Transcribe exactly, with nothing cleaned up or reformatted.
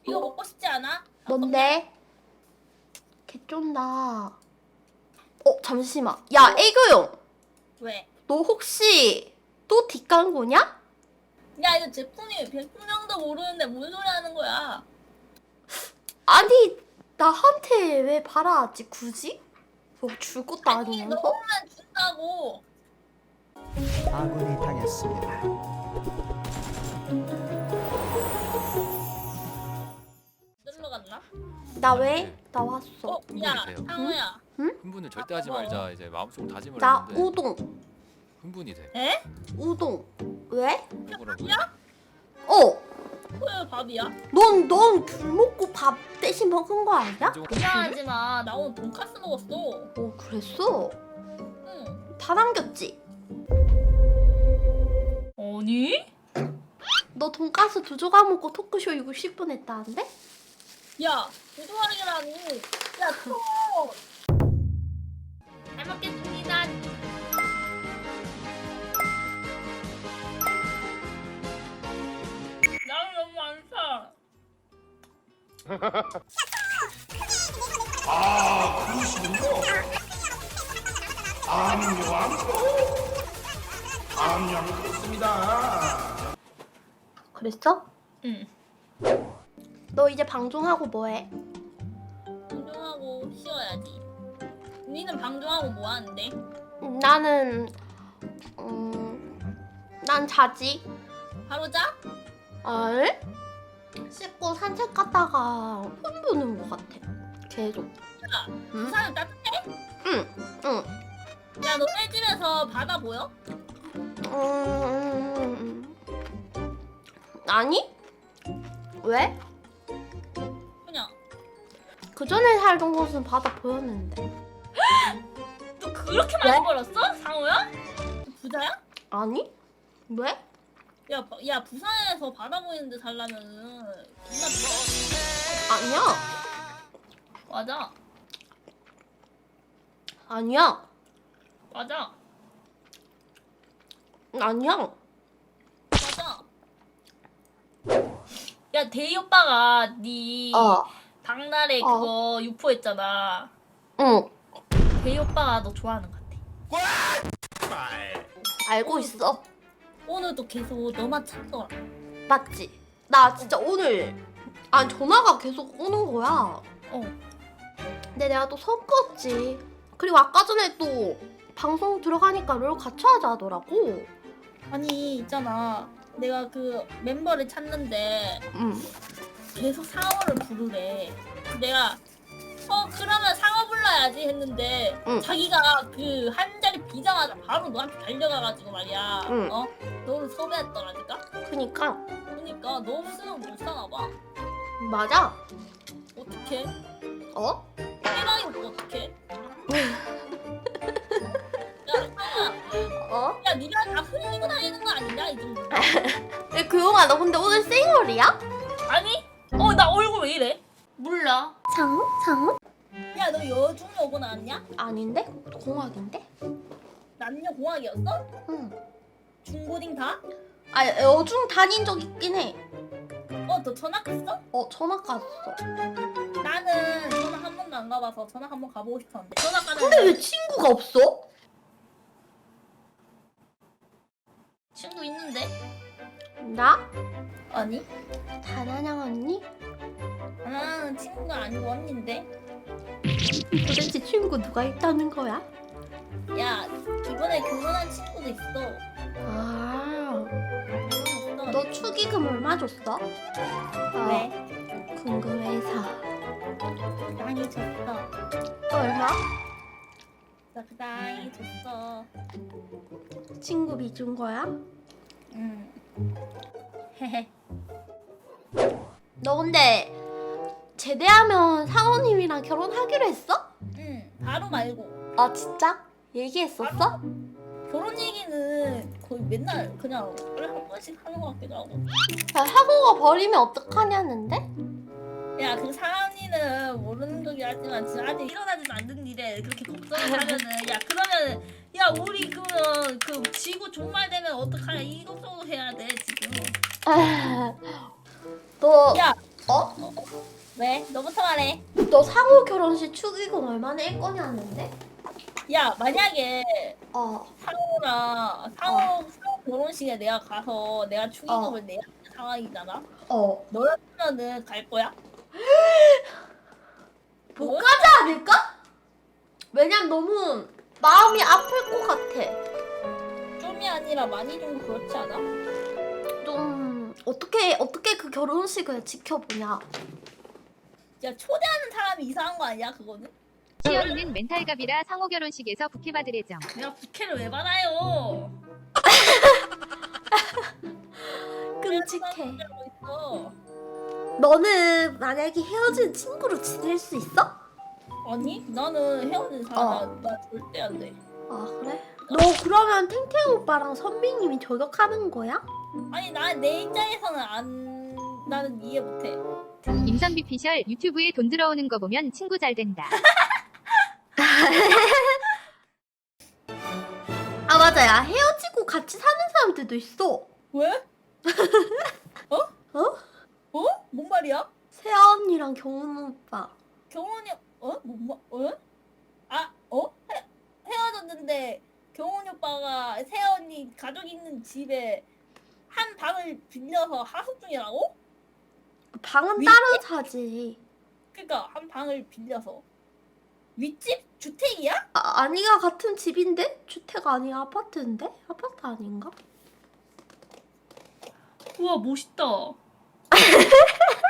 이거 먹고 싶지 않아? 뭔데? 개쩐다. 어 잠시만. 야 애교용. 왜? 너 혹시 또 뒷광고냐? 야 이거 제품이 제품명도 모르는데 뭔 소리 하는 거야? 아니 나한테 왜 팔아야지 굳이? 뭐 줄 것도 아니 아니면서? 너만 준다고. 아군이 당했습니다. 놀러 갔나? 나 왜? 나 왔어. 어? 흥분이 야 돼요. 상우야. 흥분을 절대 하지 말자. 이제 마음속 다짐을 나 했는데 우동. 흥분이 돼. 에? 우동. 왜? 뭐라고요? 야? 어. 왜 밥이야? 넌, 넌 귤 먹고 밥 대신 먹은 거 아니야? 이상하지 마. 나 오늘 돈까스 먹었어. 어, 그랬어? 응. 다 남겼지? 아니? 너 돈가스 두 조각 먹고 토크쇼 육십 분 했다는데? 야 부조하기라니. 야 또. 잘 먹겠습니다. 나는 너무 안 사. 아, 그러시군요. 암요암. 암요암 그렇습니다. 그랬어? 응. 너 이제 방종하고 뭐해? 방종하고 쉬어야지. 니는 방종하고 뭐 하는데? 나는 음... 난 자지. 바로 자? 알? 씻고 산책 갔다가 폰 보는 것 같아. 계속. 야, 응? 부산은 따뜻해? 응, 응. 야, 너네 집에서 바다 보여? 음... 아니? 왜? 그냥. 그 전에 살던 곳은 바다 보였는데. 너 그렇게 많이 벌었어? 상호야? 부자야? 아니? 왜? 야, 바- 야, 부산에서 바다 보이는데 살려면은 존나 비싸. 아니야. 맞아. 아니야. 맞아. 아니야. 맞아. 야, 대희 오빠가 네 어. 박나래 어. 그거 유포했잖아. 응. 대희 오빠가 너 좋아하는 것 같아. 알고 있어. 오늘도 계속 너만 찾더라. 맞지? 나 진짜 오늘 아 전화가 계속 오는 거야. 어. 근데 내가 또 섞었지. 그리고 아까 전에 또 방송 들어가니까 롤 같이 하자 하더라고. 아니, 있잖아. 내가 그 멤버를 찾는데 응. 계속 상어를 부르래. 내가 어 그러면 상어 불러야지 했는데 응. 자기가 그 한 자리 비자마자 바로 너한테 달려가가지고 말이야. 응. 어? 너를 섭외했더라니까. 그니까 그러니까 너 없으면 못 사나 봐. 맞아. 어떡해? 어? 해랑이 뭐 어떡해? 야 상어야. 어? 야 니가 다 흘리고 다니는 거 아니냐 이 정도? 야, 교영아 너 근데 오늘 생얼이야? 아니? 어 나 얼굴 왜 이래? 몰라. 상어? 상어? 야 너 여중 여고 나왔냐? 아닌데? 공학인데? 남녀 공학이었어? 응. 중고딩 다? 아 여중 다닌 적 있긴 해. 어 너 전학 갔어? 어 전학 갔어. 나는 전학 한 번도 안 가봐서 전학 한 번 가보고 싶었는데 전학 가면 근데 왜 친구가 없어? 친구 있는데? 나? 아니 다나냥 언니? 나는 친구가 아니고 언니인데. 도대체 친구 누가 있다는 거야? 야 이번에 결혼한 친구도 있어. 아, 결혼했어. 너 축의금 얼마 줬어? 아, 왜? 궁금해서. 많이 줬어. 얼마? 나 그다이 줬어. 친구비 준 거야? 응. 헤헤. 너 근데 제대하면 사원님이랑 결혼하기로 했어? 응. 바로 말고. 아 진짜? 얘기했었어? 결혼 얘기는 거의 맨날 그냥 하루에 한 번씩 하는 것 같기도 하고. 야, 학우가 버리면 어떡하냐는데? 야, 그 사람이는 모르는 거긴 하지만 지금 아직 일어나지도 않는 일에 그렇게 걱정을 하면은 야 그러면 야 우리 그러면 그 지구 종말되면 어떡하냐 이 걱정을 해야 돼 지금. 너 야, 어? 어, 왜? 너부터 말해. 너 상호 결혼식 축의금 얼마나 일 거냐는데? 야 만약에 어. 상호랑 상호, 상호 결혼식에 내가 가서 내가 축의금을 어. 내야 하는 상황이잖아. 어. 너였으면은 갈 거야? 못 뭐? 가지 않을까? 왜냐면 너무 마음이 아플 것 같아. 좀이 아니라 많이 좀 그렇지 않아? 좀 어떻게 어떻게 그 결혼식을 지켜보냐. 야 초대하는 사람이 이상한 거 아니야 그거는? 시연이는 멘탈갑이라 상호 결혼식에서 부케 받을 예정. 내가 부캐를 왜 받아요? 끔찍해. 하고 있어. 너는 만약에 헤어진 친구로 지낼 수 있어? 아니 나는 헤어진 사람 어. 나, 나 절대 안 돼. 아 그래? 너 그러면 탱탱 오빠랑 선비님이 저격하는 거야? 아니 나 내 입장에서는 안 나는 이해 못해. 임선비 피셜 유튜브에 돈 들어오는 거 보면 친구 잘 된다. 아 맞아요. 헤어지고 같이 사는 사람들도 있어. 왜? 어? 어? 어? 뭔 말이야? 세아 언니랑 경훈 오빠. 경훈이 어? 뭔 말? 어? 아 어? 헤, 헤어졌는데 경훈이 오빠가 세아 언니 가족 있는 집에 한 방을 빌려서 하숙 중이라고? 방은 위- 따로 자지. 그러니까 한 방을 빌려서 윗집 주택이야? 아, 아니가 같은 집인데? 주택 아니야 아파트인데? 아파트 아닌가? 우와 멋있다.